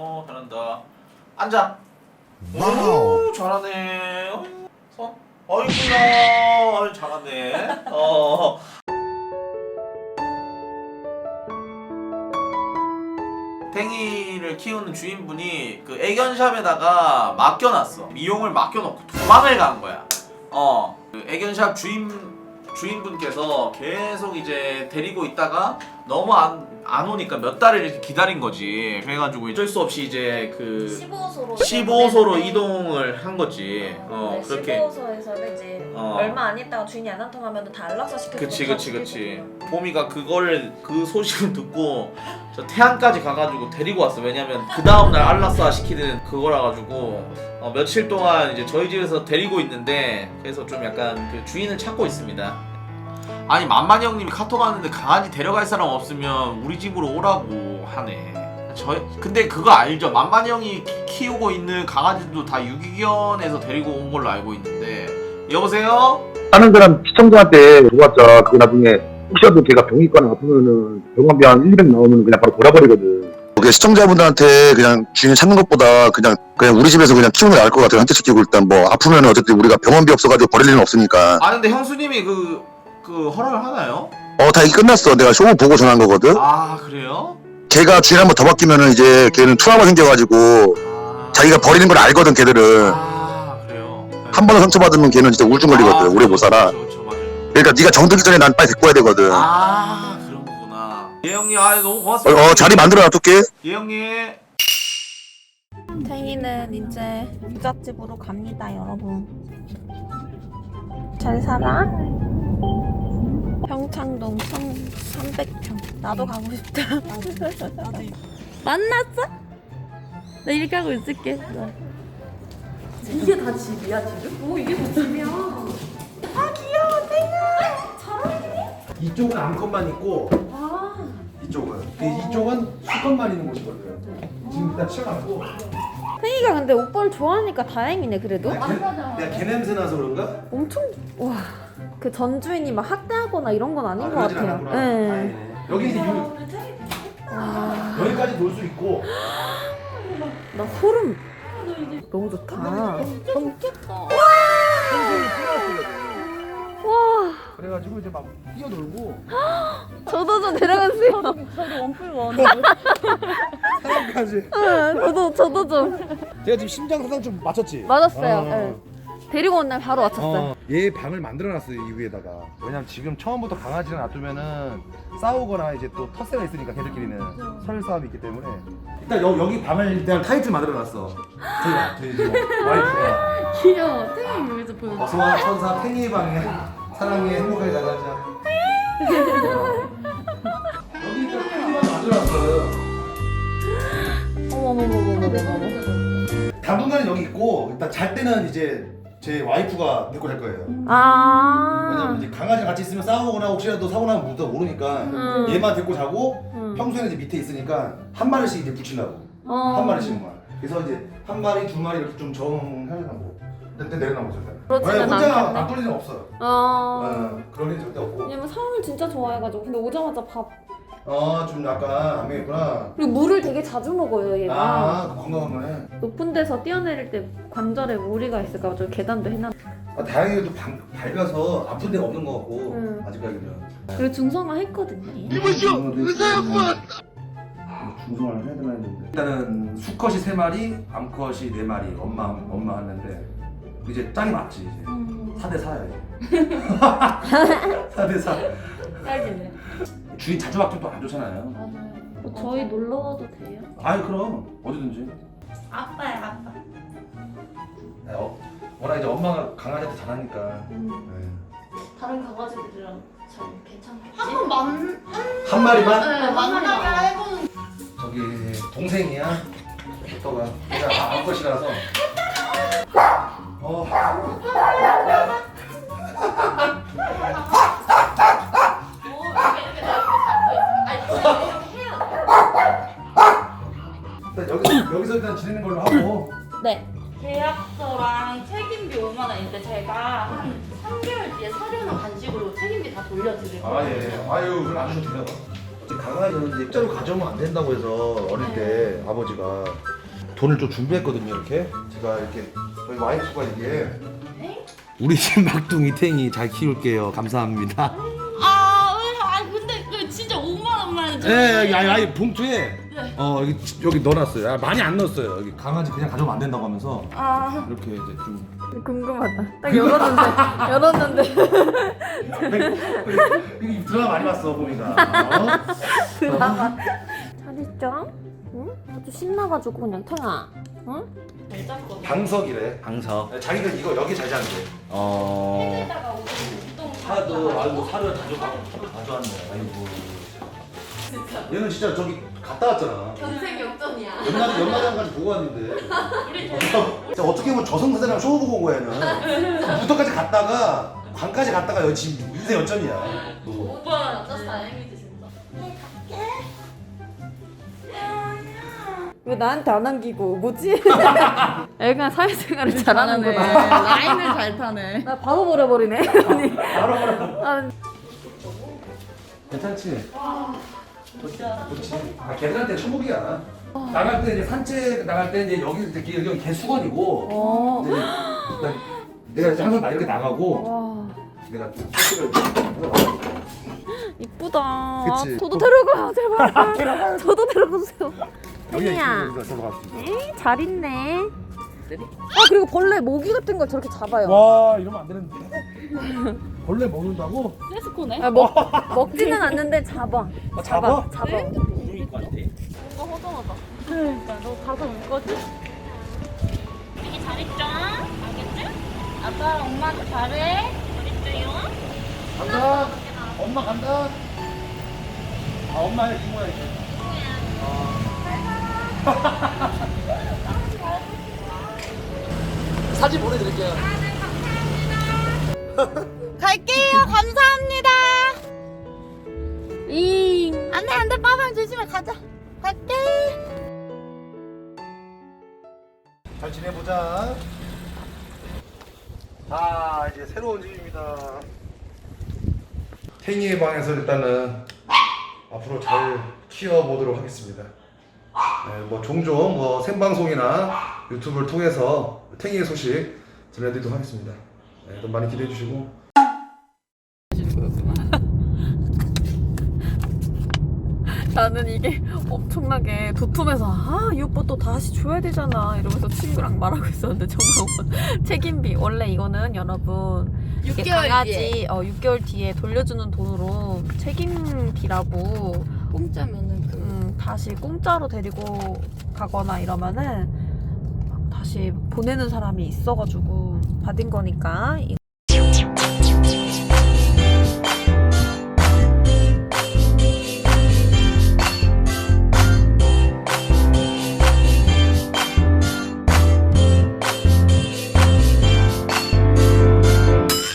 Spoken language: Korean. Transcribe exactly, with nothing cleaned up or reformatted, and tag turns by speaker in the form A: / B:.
A: 어 잘한다. 앉아.
B: 와우.
A: 오 잘하네. 어, 손. 어이구야. 어이, 잘하네. 어. 탱이를 키우는 주인분이 그 애견샵에다가 맡겨놨어. 미용을 맡겨놓고 도망을 간 거야. 어. 그 애견샵 주인 주인분께서 계속 이제 데리고 있다가 너무 안, 안 오니까 몇 달을 이렇게 기다린 거지. 그래가지고 어쩔 수 없이 이제 그
C: 십오 호소로
A: 십오 호소로 이동을 한 거지. 어
C: 네,
A: 그렇게.
C: 십오 호소에서는 이제
A: 어.
C: 얼마 안 있다가 주인이 안 나타나면 다 안락사 시켜서
A: 그치 그치 그치. 보미가 그걸 그 소식을 듣고 저 태안까지 가가지고 데리고 왔어. 왜냐면 그 다음날 안락사 시키는 그거라 가지고 어, 며칠 동안 이제 저희 집에서 데리고 있는데 그래서 좀 약간 그 주인을 찾고 있습니다. 아니 만만이 형님이 카톡 왔는데 강아지 데려갈 사람 없으면 우리 집으로 오라고 하네. 저 근데 그거 알죠? 만만이 형이 키, 키우고 있는 강아지도 다 유기견에서 데리고 온 걸로 알고 있는데. 여보세요?
B: 다른 사람 시청자한테 물어봤자 그거 나중에 혹시라도 걔가 병이 있거나 아프면은 병원비 한 일, 이백 나오면 그냥 바로 돌아버리거든. 그게 시청자분들한테 그냥 주인 찾는 것보다 그냥 그냥 우리 집에서 그냥 키우는 게 나을 것 같아요. 한테 시키고 일단 뭐 아프면은 어쨌든 우리가 병원비 없어가지고 버릴 일은 없으니까.
A: 아 근데 형수님이 그, 그 허락을 하나요?
B: 어, 다 이게 끝났어. 내가 쇼 보고 전화한 거거든.
A: 아 그래요?
B: 걔가 주인 한번 더 바뀌면은 이제 걔는 트라우마 생겨가지고
A: 아,
B: 자기가 버리는 걸 알거든. 걔들은
A: 아 그래요? 네.
B: 한 번 상처받으면 걔는 진짜 우울증 걸리거든.
A: 아,
B: 오래 못 살아.
A: 그렇죠, 그렇죠, 맞아요.
B: 그러니까 네가 정들기 전에 난 빨리 데리고 와야 되거든. 어,
A: 아 그런 거구나. 예 형님 아 너무 고맙습니다.
B: 어 자리 만들어 놔둘게.
A: 예 형님.
C: 탱이는 이제 부잣집으로 갑니다, 여러분. 잘 살아? 평창동 천삼백 평. 나도 가고 싶다. 만났어? 나 이렇게 하고 있을게.
D: 이게 다 집이야 지금? 오 이게 다 집이야.
C: 아 귀여워, 탱아. 잘 어울리네.
E: 이쪽은 암컷만 있고
D: 아
E: 이쪽은 근데 이쪽은 수컷만 있는 곳이거든. 지금 일단 치워놨고
C: 탱이가 근데 오빠를 좋아하니까 다행이네 그래도.
E: 내가 개, 내가 개 냄새 나서 그런가?
C: 엄청 와. 그 전주인이 막 학대하거나 이런 건 아닌
E: 아,
C: 것
E: 그러진
C: 같아요.
E: 않았구나.
C: 네.
E: 다행이네. 여기 이제 유,
D: 오늘 탱이
C: 와,
E: 여기까지 놀 수 있고
C: 나 소름.
D: 너 이제
C: 너무 좋다.
D: 진짜 좋겠다.
C: 와,
E: 그래가지고 이제 막 뛰어놀고
C: 저도 좀 데려가세요.
D: 저도 원뿔 원.
E: 사람까지.
C: 응, 저도 저도 좀
E: 제가 지금 심장 사상 좀 맞췄지?
C: 맞았어요.
E: 어.
C: 네. 데리고 온 날 바로 맞췄어요.
E: 어, 얘 방을 만들어놨어요 이 위에다가. 왜냐면 지금 처음부터 강아지를 놔두면은 싸우거나 이제 또 텃세가 있으니까 걔들끼리는 설싸움이 있기 때문에 일단 여, 여기 방을 일단 타이틀 만들어놨어. 저희 저희 지금 와이프가
D: 귀여워. 탱이 여기서 보여.
E: 어서와 천사 팽이 방에 사랑해 행복하게 나가자. 여기 일단 팽이 방 만들어놨어요.
C: 어머머머머머머머.
E: 당분간은 여기 있고 일단 잘 때는 이제 제 와이프가 데리고 잘 거예요.
C: 아.
E: 왜냐면 이제 강아지랑 같이 있으면 싸우거나 혹시라도 사고 나면 무도 모르니까
C: 음.
E: 얘만 데리고 자고
C: 음.
E: 평소에는 이제 밑에 있으니까 한 마리씩 이제 붙이려고
C: 어.
E: 한 마리씩만. 그래서 이제 한 마리 두 마리 이렇게 좀 정하려고 일단 내려놔보죠.
C: 그렇지는
E: 왜 혼자
C: 않겠네.
E: 안 풀리는 없어.
C: 어.
E: 어, 그런 일 절대 없고.
C: 왜냐면 사람을 진짜 좋아해가지고 근데 오자마자 밥
E: 어, 좀 약간 안 먹겠구나.
C: 그리고 물을 되게 자주 먹어요 얘가.
E: 아, 건강한 거네.
C: 높은 데서 뛰어내릴 때 관절에 무리가 있을까봐 계단도 해놨.
E: 아, 다행히도 방, 밝아서 아픈 데가 없는 것 같고
C: 음.
E: 아직까지는.
C: 그리고 중성화 했거든요.
E: 이보시오 의사였구만. 중성화를 해야 되나 했는데 일단은 수컷이 세 마리, 암컷이 네 마리. 엄마 엄마 했는데 이제 짝이 맞지 이제.
C: 음.
E: 사 대 사야 이제. 사 대 사.
D: 딸기네.
E: 주인 자주 바뀌면 또 안 좋잖아요.
D: 맞아요.
C: 어, 저희 놀러 와도 돼요?
E: 아이 그럼 어디든지.
D: 아빠야 아빠.
E: 네, 어, 워낙 이제 엄마가 강아지한테 잘하니까.
C: 음.
D: 다른 강아지들이랑 잘 괜찮겠지? 한번 만.
E: 한 마리만?
D: 네 만나게 해보는.
E: 저기 동생이야. 오빠가 내가 암컷이라서. 어. 일단 여기서 여기서 일단 지내는 걸로 하고.
C: 네.
D: 계약서랑 책임비 오만 원인데 제가 한 삼 개월 뒤에 사료나 간식으로 책임비 다 돌려드릴 거예요.
E: 아 예. 아유 그럼 안 주셔도 돼요. 강아지는 이제 일자로 가져오면 안 된다고 해서 어릴 때 아버지가 돈을 좀 준비했거든요. 이렇게 제가 이렇게 저희 와이프가 이게 우리 집 막둥이 탱이 잘 키울게요. 감사합니다.
D: 아, 왜? 아, 근데 그 진짜 오만 원만 줘.
E: 예, 예, 아니, 아니 봉투에
D: 네.
E: 어 여기 여기 넣어놨어요. 아, 많이 안 넣었어요. 여기 강아지 그냥 가져오면 안 된다고 하면서
C: 아
E: 이렇게 이제 좀
C: 궁금하다. 딱 열었는데 열었는데
E: 이거 드라마 많이 봤어 보니까.
C: 드라마. 잘 있죠? 응? 아주 신나가지고 그냥 태아. 응?
D: 잘 잤거든.
E: 방석이래.
A: 방석.
E: 자기가 이거 여기 잘 자는데.
A: 어.
D: 해다가 우동
E: 사도 아이고 사료 가져가 가져왔네. 아이고. 얘는 진짜 저기 갔다 왔잖아.
D: 견생 역전이야.
E: 연마장 연마장까지 보고 왔는데.
D: 우리
E: 진짜 어떻게 보면 저승사자랑 쇼 보고 온 거야 얘는. 부터까지 갔다가 관까지 갔다가 여기 지금 인생 역전이야.
D: 오빠 남자 다행이지 진짜.
C: 왜 나한테 안 안기고 뭐지? 애가 사회생활을 잘하는구나.
F: 라인을 잘 타네.
C: 나 바로 버려버리네. 언니.
E: 바로 바로.
C: 아,
E: 괜찮지? 좋지. 아 걔들한테 천국이야. 나갈 때 이제 산책 나갈 때 이제 여기 이제 여기 개수건이고.
C: 어.
E: 이제 나- 내가 이제 항상 나 이렇게 나가고
C: 와.
E: 내가 택시를
C: 이쁘다. 아,
E: 그치?
C: 저도 데려가요, 제발. 저도 데려가주세요. 혜니야.
E: 저로 갔습니다.
C: 에이, 잘 있네. 아, 그리고 벌레 모기 같은 걸 저렇게 잡아요.
E: 와 이러면 안 되는데. 벌레 먹는다고?
D: 세스코네.
C: 아, 먹, 먹지는 않는데 잡아.
E: 아, 잡아?
C: 잡아.
D: 뭔가 허전하다. 그러니까 너 가서 올 거지? 되게 잘했죠? 알겠지? 아빠랑 엄마도 잘해. 잘했어요?
E: 간다. 엄마 간다. 아 엄마의 이모야 이제. 사진 보내드릴게요.
F: 갈게요. 감사합니다.
C: 잉.
F: 안돼 안돼 빠방 조심해 가자. 갈게.
E: 잘 지내보자. 자 이제 새로운 집입니다. 탱이의 방에서 일단은 앞으로 잘 키워보도록 하겠습니다. 네, 뭐 종종 뭐 생방송이나 유튜브를 통해서 탱이의 소식 전해드리도록 하겠습니다. 네, 또 많이 기대해 주시고.
C: 나는 이게 엄청나게 도톰해서 아, 이 오빠 또 다시 줘야 되잖아 이러면서 친구랑 말하고 있었는데 정말 책임비 원래 이거는 여러분 이게
F: 육 개월
C: 강아지
F: 뒤에.
C: 어, 육 개월 뒤에 돌려주는 돈으로 책임비라고
F: 공짜면은 그
C: 음, 다시 공짜로 데리고 가거나 이러면은 다시 보내는 사람이 있어가지고 받은 거니까